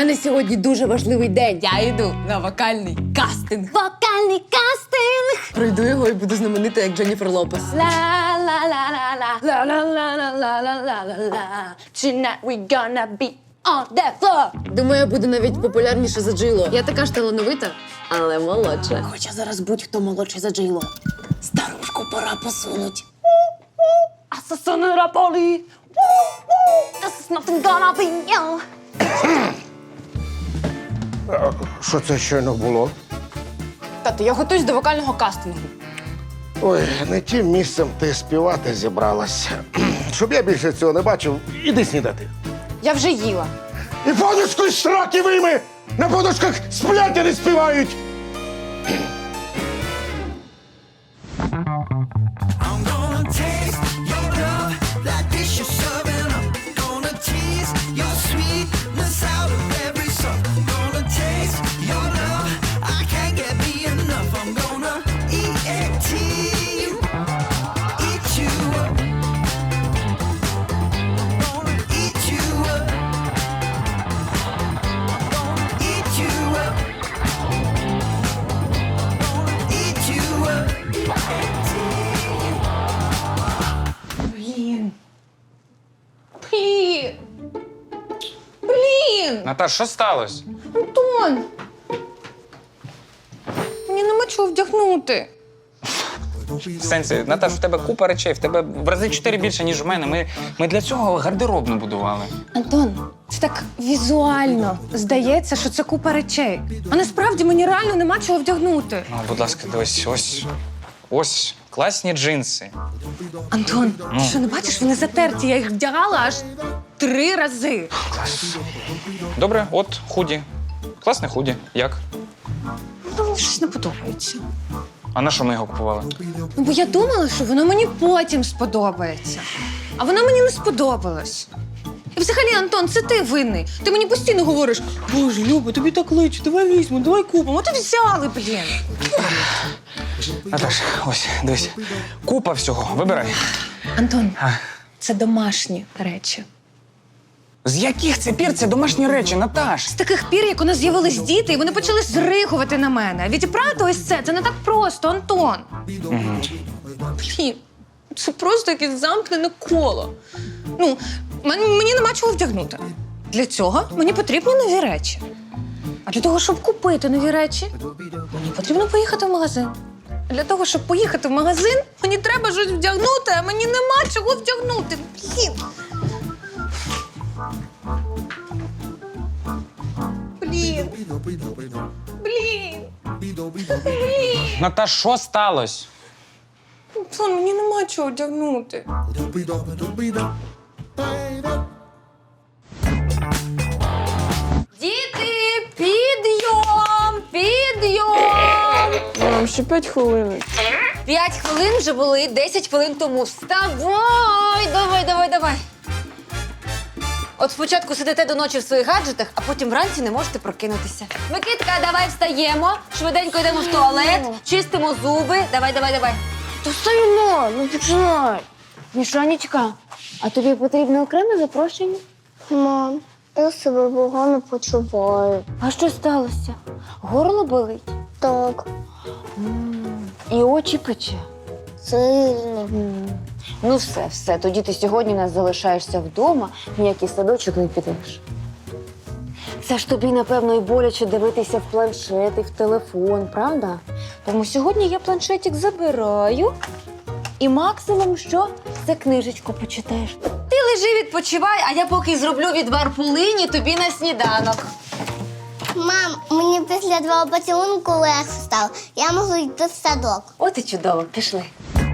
мене сьогодні дуже важливий день. Я йду на вокальний кастинг. Вокальний кастинг! Пройду його і буду знаменита, як Дженніфер Лопес. Ла-ла-ла-ла-ла-ла-ла-ла-ла-ла. Tonight we gonna be on the floor. Думаю, я буду навіть популярніше за Джило. Я така ж талановита, але молодша. Хоча зараз будь-хто молодший за Джейло. Старушку пора посунуть. Асасини рапали. This is nothing gonna be you. Що це щойно було? Тато, я готуюсь до вокального кастингу. Ой, не тим місцем ти співати зібралася. Щоб я більше цього не бачив, іди снідати. Я вже їла. І подушку з сраки вийми! На подушках сплять, а не співають! I'm gonna taste your love like this you're serving up. Gonna tease your sweetness out of every song. Gonna taste your love, I can't get me enough. I'm gonna eat you, eat you up. Gonna eat you up. Gonna eat you up. Gonna eat you up. Блін! Наташ, що сталося? Антон! Мені нема чого вдягнути. В сенсі, Наташ, в тебе купа речей, в тебе в рази 4 більше, ніж в мене. Ми для цього гардеробну будували. Антон, це так візуально здається, що це купа речей. А насправді мені реально нема чого вдягнути. Ну, будь ласка, дивись, ось класні джинси. Антон, ти що не бачиш, вони затерті. Я їх вдягала аж 3 рази. Добре, от худі. Класне худі. Як? Ну, мені щось не подобається. А на що ми його купували? Ну, бо я думала, що воно мені потім сподобається. А воно мені не сподобалось. І взагалі, Антон, це ти винний. Ти мені постійно говориш: Боже, Люба, тобі так личить, давай візьмемо, давай купимо. От і взяли, блін. Наташ, ось, дивись. Купа всього. Вибирай. Антон, А. це домашні речі. З яких це пір це домашні речі, Наташ? З таких пір, як у нас з'явились діти, і вони почали зригувати на мене. Відібрати ось це не так просто, Антон. Блін, це просто якесь замкнене коло. Ну, мені нема чого вдягнути. Для цього мені потрібні нові речі. А для того, щоб купити нові речі, мені потрібно поїхати в магазин. А для того, щоб поїхати в магазин, мені треба щось вдягнути, а мені нема чого вдягнути. Блін. Блін. Наташ, що сталося? Антон, мені нема чого вдягнути. Діти, підйом! Підйом! Мам, ще 5 хвилин. 5 хвилин вже були 10 хвилин тому. Вставай! Давай. От спочатку сидите до ночі в своїх гаджетах, а потім вранці не можете прокинутися. Микитка, давай встаємо, швиденько йдемо в туалет, чистимо зуби. Давай. То стоїмо, ну починай. Мішанечка, а тобі потрібне окреме запрошення? Мам, я себе погано почуваю. А що сталося? Горло болить? Так, І очі пече? сильно. Ну все, тоді ти сьогодні у нас залишаєшся вдома, ніякий садочок не підеш. Це ж тобі, напевно, і боляче дивитися в планшет і в телефон, правда? Тому сьогодні я планшетик забираю і максимум що? Це книжечку почитаєш. Ти лежи, відпочивай, а я поки зроблю відвар полині тобі на сніданок. Мам, мені після твого поцілунку легше стало. Я можу йти в садок. От і чудово, пішли.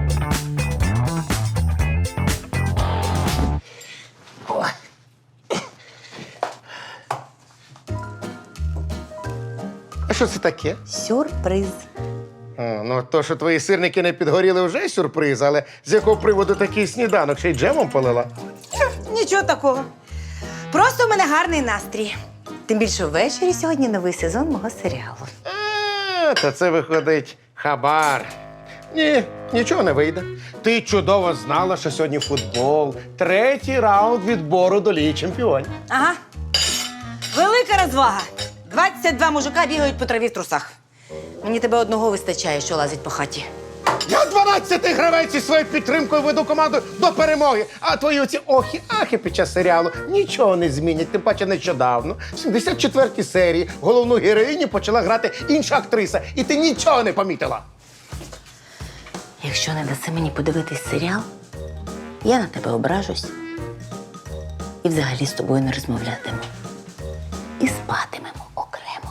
А що це таке? Сюрприз. Ну, то, що твої сирники не підгоріли, вже сюрприз, але з якого приводу такий сніданок? Ще й джемом полила? Нічого такого. Просто у мене гарний настрій. Тим більше ввечері сьогодні новий сезон мого серіалу. Та це виходить хабар. Ні, нічого не вийде. Ти чудово знала, що сьогодні футбол. 3-й раунд відбору до Ліги Чемпіонів. Ага. Велика розвага. 22 мужика бігають по траві в трусах. Мені тебе одного вистачає, що лазить по хаті. Я 12-й гравець із своєю підтримкою веду команду до перемоги. А твої оці охи-ахи під час серіалу нічого не змінять. Тим паче нещодавно, в 74-й серії, головну героїню почала грати інша актриса. І ти нічого не помітила. Якщо не даси мені подивитись серіал, я на тебе ображусь. І взагалі з тобою не розмовлятиму. І спатимемо окремо.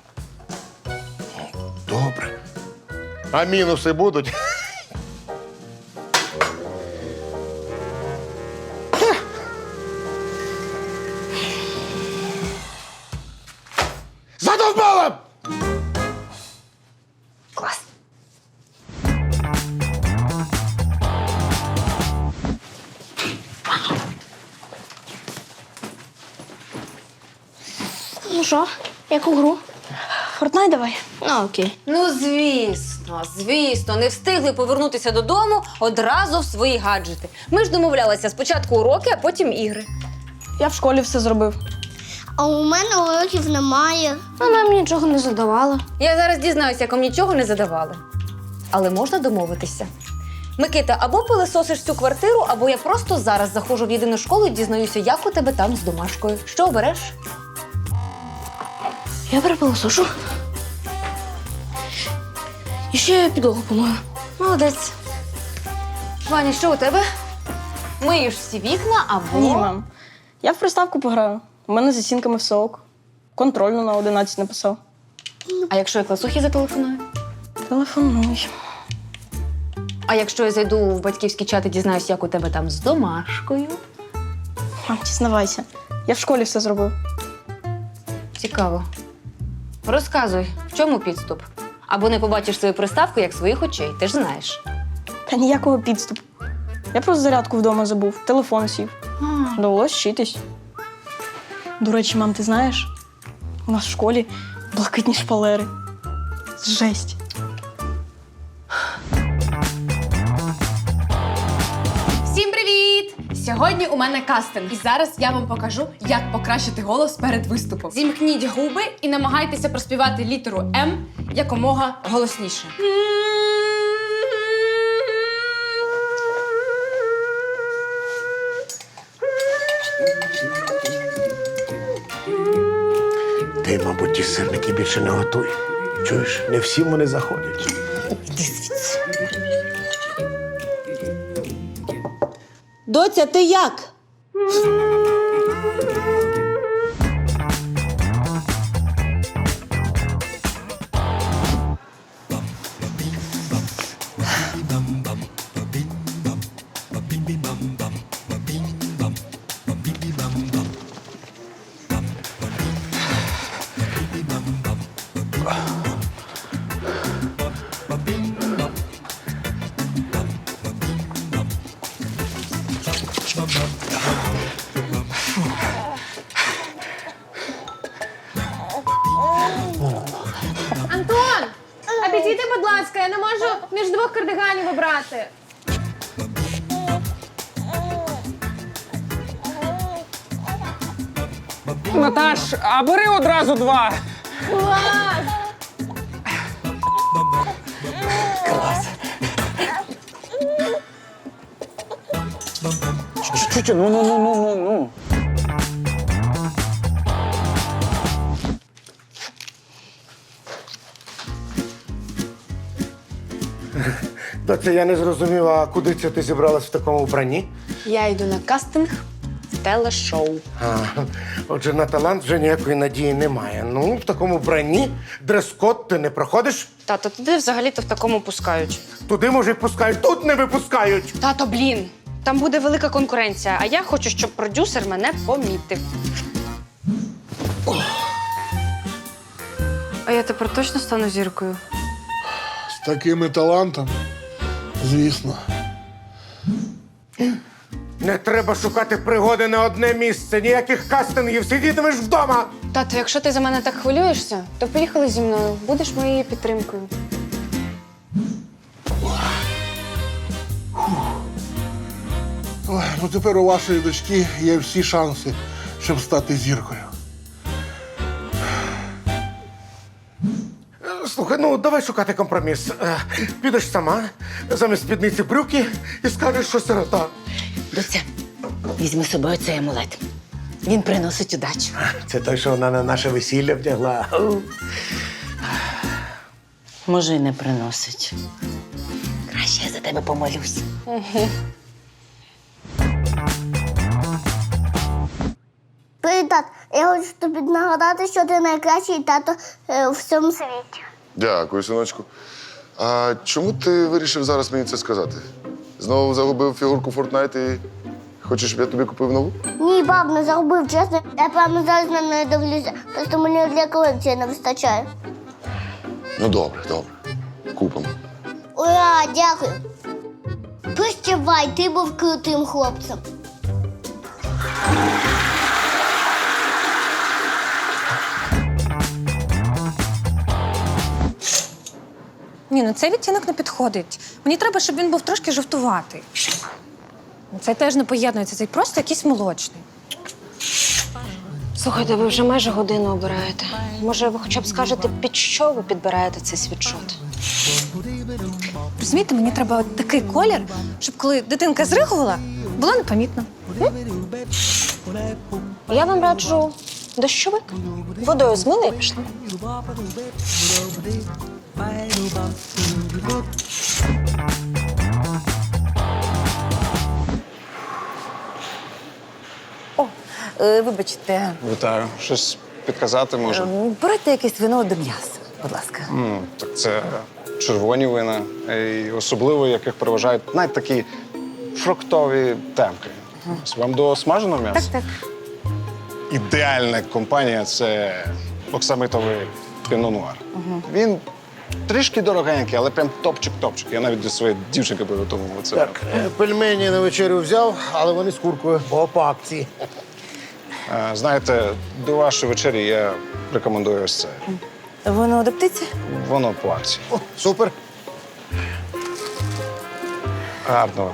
Добре. А мінуси будуть? Задовбала! Клас. Ну що, яку гру? Фортнайт давай. Ну, окей. Ну, звісно, не встигли повернутися додому одразу в свої гаджети. Ми ж домовлялися спочатку уроки, а потім ігри. Я в школі все зробив. А у мене уроків немає. Вона мені нічого не задавала. Я зараз дізнаюся, як вам нічого не задавали. Але можна домовитися. Микита, або пилисосиш всю квартиру, або я просто зараз заходжу в єдину школу і дізнаюся, як у тебе там з домашкою. Що обереш? Я перепилосошу. І ще підлогу помою. Молодець. Ваня, що у тебе? Миєш всі вікна або... Ні, мам. Я в приставку пограю. У мене з оцінками все ок. Контрольну на 11 написав. А якщо я класухі зателефоную? Телефонуй. А якщо я зайду в батьківський чат і дізнаюсь, як у тебе там з домашкою? Мам, дізнавайся. Я в школі все зробив. Цікаво. Розказуй, в чому підступ? Або не побачиш свою приставку, як своїх очей, ти ж знаєш. Та ніякого підступу. Я просто зарядку вдома забув, телефон сів. Довелось вчитись. До речі, мам, ти знаєш? У нас в школі блакитні шпалери. Жесть. Всім привіт! Сьогодні у мене кастинг. І зараз я вам покажу, як покращити голос перед виступом. Зімкніть губи і намагайтеся проспівати літеру М якомога голосніше. Ти, мабуть, ті сирники більше не готуй. Чуєш, не всі вони заходять. Доця, ти як? Антон! А підійди, будь ласка, я не можу між двох кардиганів обрати. Наташ, а бери одразу два. Чуть-чуть, ну. Доця, я не зрозуміла, а куди це ти зібралась в такому вбранні? Я йду на кастинг в телешоу. А, отже, на талант вже ніякої надії немає. Ну, в такому вбранні дрес-код ти не проходиш. Тато, туди взагалі-то в такому пускають. Туди, може, й пускають, тут не випускають. Тато, блін, там буде велика конкуренція, а я хочу, щоб продюсер мене помітив. А я тепер точно стану зіркою? З такими талантами, звісно. Не треба шукати пригоди на одне місце, ніяких кастингів, сидітимеш вдома. Тато, якщо ти за мене так хвилюєшся, то поїхали зі мною. Будеш моєю підтримкою. Ой, ну тепер у вашої дочки є всі шанси, щоб стати зіркою. Слухай, ну давай шукати компроміс. Підеш сама, замість спідниці брюки і скажеш, що сирота. Доця, візьми з собою цей амулет. Він приносить удачу. Це той, що вона на наше весілля вдягла. Може, й не приносить. Краще я за тебе помолюсь. Привіт, тат. Я хочу тобі нагадати, що ти найкращий тато в всьому світі. Дякую, синочку. А чому ти вирішив зараз мені це сказати? Знову загубив фігурку Fortnite і хочеш, щоб я тобі купив нову? Ні, баб, не загубив, чесно. Я прямо зараз на неї дивлюся. Просто мені для колекції не вистачає. Ну, добре, добре. Купимо. Ура, дякую. Прощавай, ти був крутим хлопцем. Ні, ну цей відтінок не підходить. Мені треба, щоб він був трошки жовтуватий. Цей теж не поєднується, цей просто якийсь молочний. Слухайте, ви вже майже годину обираєте. Може, ви хоча б скажете, під що ви підбираєте цей світшот? Розумієте, мені треба от такий колір, щоб коли дитинка зригувала, було непомітно. Я вам раджу дощовик. Водою змили і пішли. Вибачте, Вітаю. Щось підказати може? берете якесь вино до м'яса, будь ласка. Так це червоні вина, і особливо яких переважають навіть такі фруктові темки. Ось вам до смаженого м'яса? Так. Ідеальна компанія це оксамитовий піно-нуар. Він трішки дорогенький, але прям топчик-топчик. Я навіть до своєї дівчинки приготував це. Так, пельмені на вечерю взяв, але вони з куркою, бо по акції. Знаєте, до вашої вечері я рекомендую ось це. Воно до птиці? Воно по акції. О, супер. Гарного.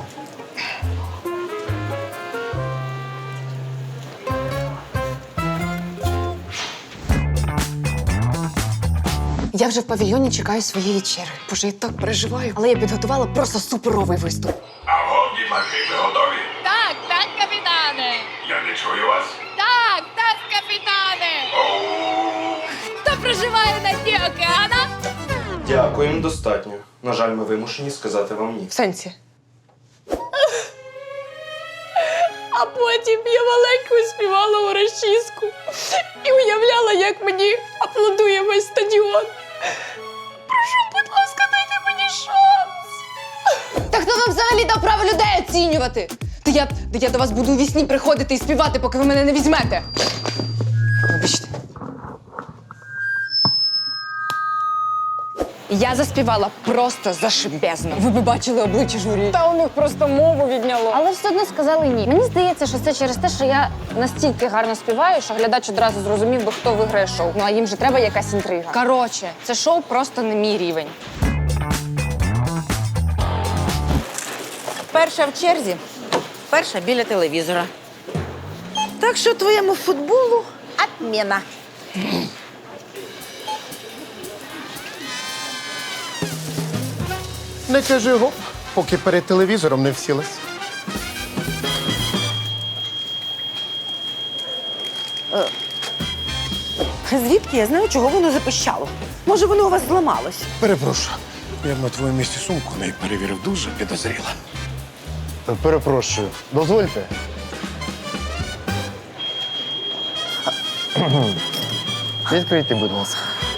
Я вже в павільйоні чекаю своєї вечері. Боже, я так переживаю. Але я підготувала просто суперовий виступ. Агонні машини готові? Так, капітане. Я не чую вас. Так, капітане. Хто проживає на дні океана? Дякуємо, достатньо. На жаль, ми вимушені сказати вам ні. В сенсі. А потім я маленько співала у розчіску і уявляла, як мені аплодує весь стадіон. Прошу, будь ласка, дайте мені шанс. Та хто вам взагалі дав право людей оцінювати? Та я до вас буду у вісні приходити і співати, поки ви мене не візьмете. Вибачте. Я заспівала просто зашибезно. Ви б бачили обличчя журі. Та у них просто мову відняло. Але все одно сказали ні. Мені здається, що це через те, що я настільки гарно співаю, що глядач одразу зрозумів би, хто виграє шоу. Ну а їм же треба якась інтрига. Коротше, це шоу просто не мій рівень. Перша в черзі, перша біля телевізора. Так що твоєму футболу отміна. Не кажи гоп, поки перед телевізором не всілась. Звідки я знаю, чого воно запищало? Може, воно у вас зламалось? Перепрошую, я б на твоєму місці сумку не перевірив дуже підозріло. Перепрошую, дозвольте. Відкрийте, будь ласка.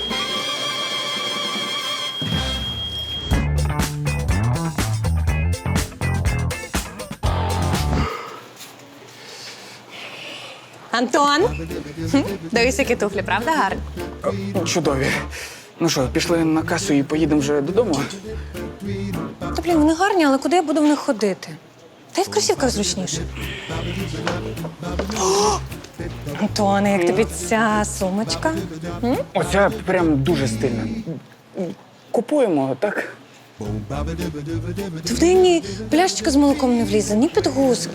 Антон! Дивись, які туфлі, правда гарні? Чудові. Ну що, пішли на касу і поїдемо вже додому? Та, блін, вони гарні, але куди я буду в них ходити? Та й в кросівках зручніше. О! Антоне, як тобі ця сумочка? Оця прям дуже стильна. Купуємо, так? Та в неї ні пляшечка з молоком не влізе, ні підгузки.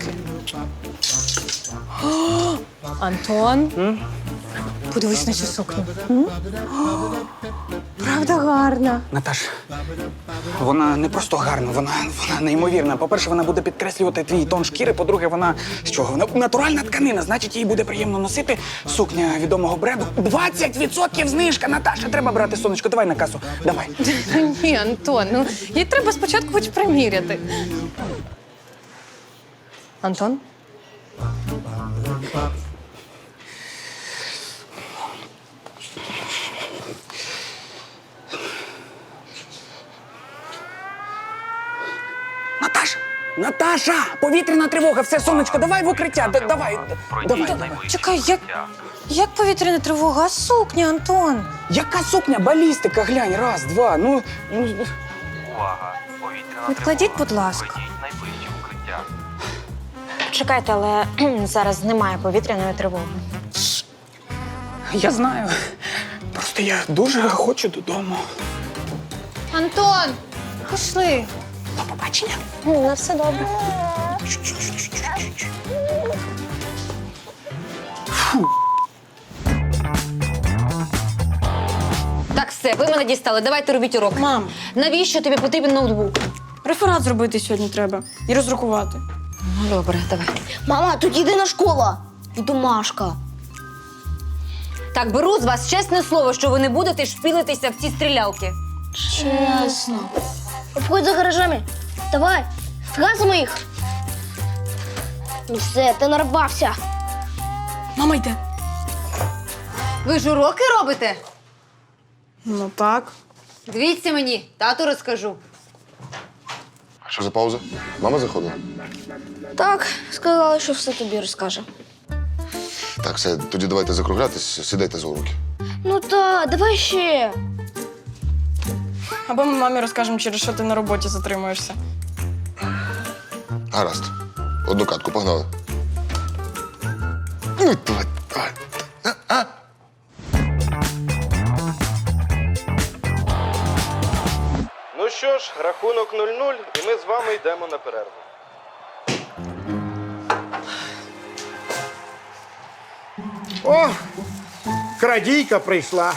О, Антон, подивись на цю сукню. О, правда гарна. Наташ, вона не просто гарна, вона неймовірна. По-перше, вона буде підкреслювати твій тон шкіри. По-друге, вона з чого? Натуральна тканина, значить, їй буде приємно носити сукня відомого бренду. 20% знижка, Наташа, треба брати, сонечко, давай на касу, давай. Ні, Антон, ну їй треба спочатку хоч приміряти. Антон? Наташа! Повітряна тривога, все, сонечко, давай в укриття, давай. Чекай, як повітряна тривога? А сукня, Антон? Яка сукня? Балістика, глянь, раз, два, ну... Відкладіть, будь ласка. Чекайте, але зараз немає повітряної тривоги. Я знаю. Просто я дуже хочу додому. Антон, пішли. До побачення. На все добре. Так, все, ви мене дістали. Давайте робіть урок. Мам, Навіщо тобі потрібен ноутбук? реферат зробити сьогодні треба і розрахувати. Ну, добре, давай. Мама, тут єдина школа і домашка. Так, беру з вас чесне слово, що ви не будете шпілитися в ці стрілялки. Чесно. Обходь за гаражами. Давай, згасимо їх. Ну все, ти нарвався. Мама йде. Ви ж уроки робите? Ну так. Дивіться мені, тату розкажу. Що за пауза? Мама заходила? Так, сказали, що все тобі розкаже. Так, все, тоді давайте закруглятись, сідайте за уроки. Ну та, давай ще. Або ми мамі розкажемо, через що ти на роботі затримуєшся. Гаразд. Одну катку, погнали. Ну, давай. Ну що ж, рахунок 0-0, і ми з вами йдемо на перерву. О, крадійка прийшла.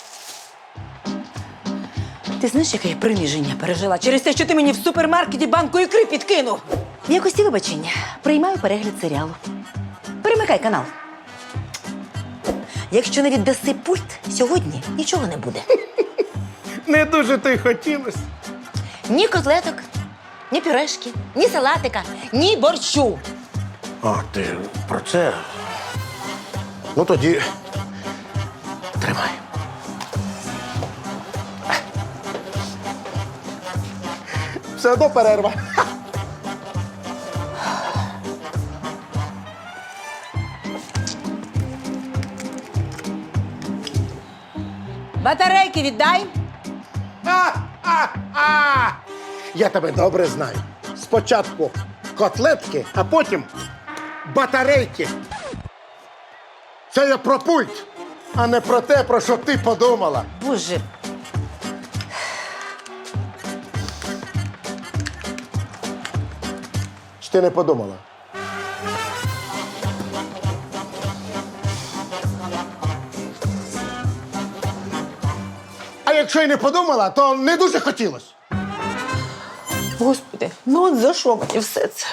Ти знаєш, яке я приниження пережила через те, що ти мені в супермаркеті банку ікри підкинув? В якості вибачення приймаю перегляд серіалу. Перемикай канал. Якщо не віддаси пульт, сьогодні нічого не буде. Не дуже то й хотілося. Ні котлеток, ні пюрешки, ні салатика, ні борщу. А, ти про це? Ну тоді тримай. Все одно перерва. Батарейки віддай. Я тебе добре знаю. Спочатку котлетки, а потім батарейки. Це я про пульт, а не про те, про що ти подумала. Боже. Чи ти не подумала? А якщо й не подумала, то не дуже хотілося. Господи, ну от за що мені все це?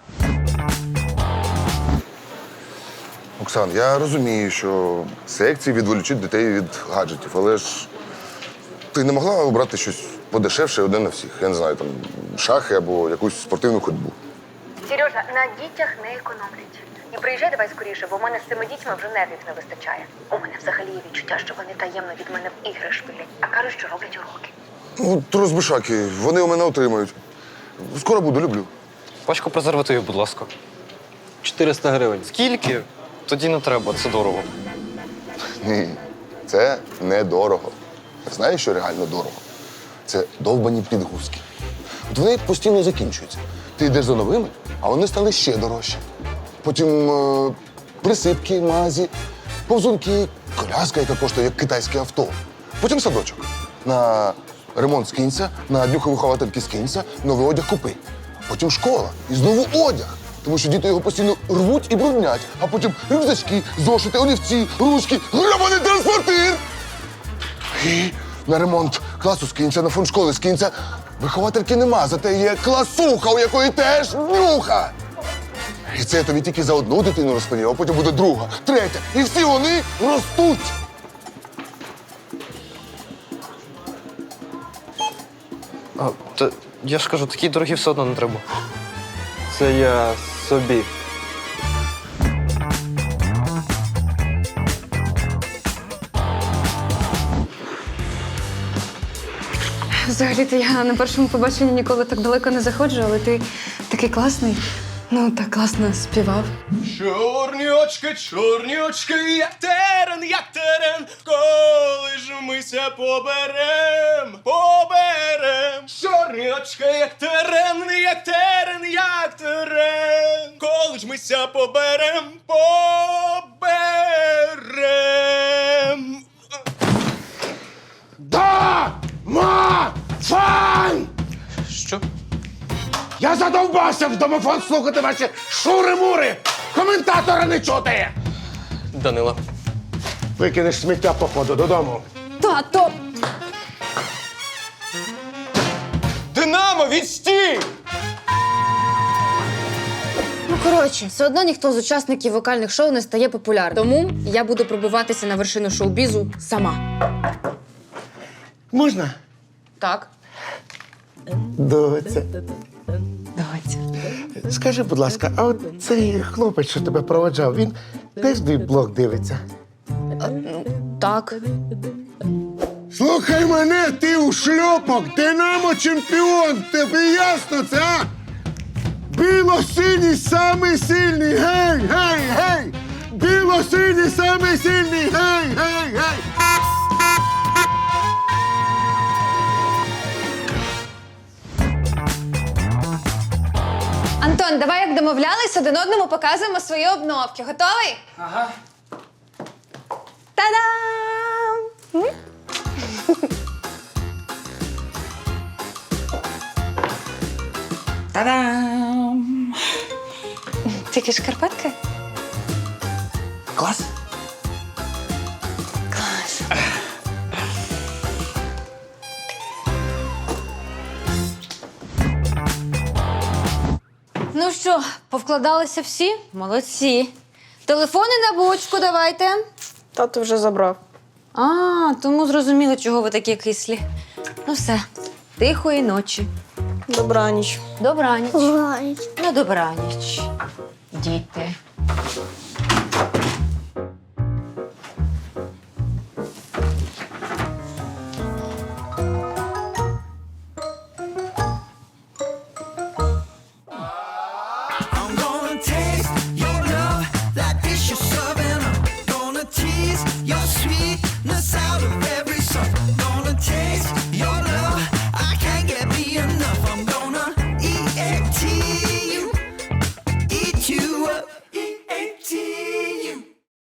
Оксан, я розумію, що секції відволічуть дітей від гаджетів, але ж ти не могла обрати щось подешевше одне на всіх. Я не знаю, там шахи або якусь спортивну ходьбу. Сережа, на дітях не економлять. І приїжджай давай скоріше, бо в мене з цими дітьми вже нервів не вистачає. У мене взагалі є відчуття, що вони таємно від мене в ігри шпилять, а кажуть, що роблять уроки. Ну, то розбишаки, вони у мене отримають. Скоро буду, люблю. Пачку презервативів, будь ласка. 400 гривень. Скільки? Тоді не треба, це дорого. Ні, це недорого. Знаєш, що реально дорого? Це довбані підгузки. От вони постійно закінчуються. Ти йдеш за новими, а вони стали ще дорожчі. Потім присипки, мазі, повзунки, коляска, яка коштує як китайське авто. Потім садочок. На ремонт скинься, на днюховиховательки скинься, новий одяг купи. Потім школа і знову одяг. Тому що діти його постійно рвуть і бруднять. А потім рюкзачки, зошити, олівці, ручки, гребаний транспортир! І На ремонт класу скинься, на фонд школи скинься. Виховательки нема, зате є класуха, у якої теж нюха. І це я тобі тільки за одну дитину розповів, а потім буде друга, третя. І всі вони ростуть. А, та я ж кажу, такі дорогі все одно не треба. Це я собі. Взагалі-то я на першому побаченні ніколи так далеко не заходжу, але ти такий класний. Ну, так класно співав. Чорні очки, як терен, коли ж мися поберем. Чорні очки, як терен, коли ж мися поберем. Домофон! Що? Я задовбався в домофон слухати ваші шури-мури! Коментатора не чути! Данила. Викинеш сміття по ходу додому. Тато! Динамо, відстій! Ну, коротше, все одно ніхто з учасників вокальних шоу не стає популярним. Тому я буду пробиватися на вершину шоу-бізу сама. Можна? Так. Доця. Давайте. Скажи, будь ласка, а от цей хлопець, що тебе проводжав, він теж твій блог дивиться? Так. Слухай мене, ти у шльопок, Динамо чемпіон, тобі ясно це, а? Біло-синій самий сильний, гей, гей, гей! Біло-синій самий сильний, гей, гей, гей! Антон, давай, як домовлялись, один одному показуємо свої обновки. Готовий? Ага. Та-дам! Та-дам! Тільки шкарпетки? Клас. Клас. Ну що, повкладалися всі? Молодці. Телефони на бочку давайте. Тато вже забрав. А, тому зрозуміло, чого ви такі кислі. Ну все, тихої ночі. Добраніч. Добраніч. Ой. Ну, добраніч. Діти. I'm gonna taste your love like dish you're serving up. Gonna tease your sweetness out of every song. Gonna taste your love.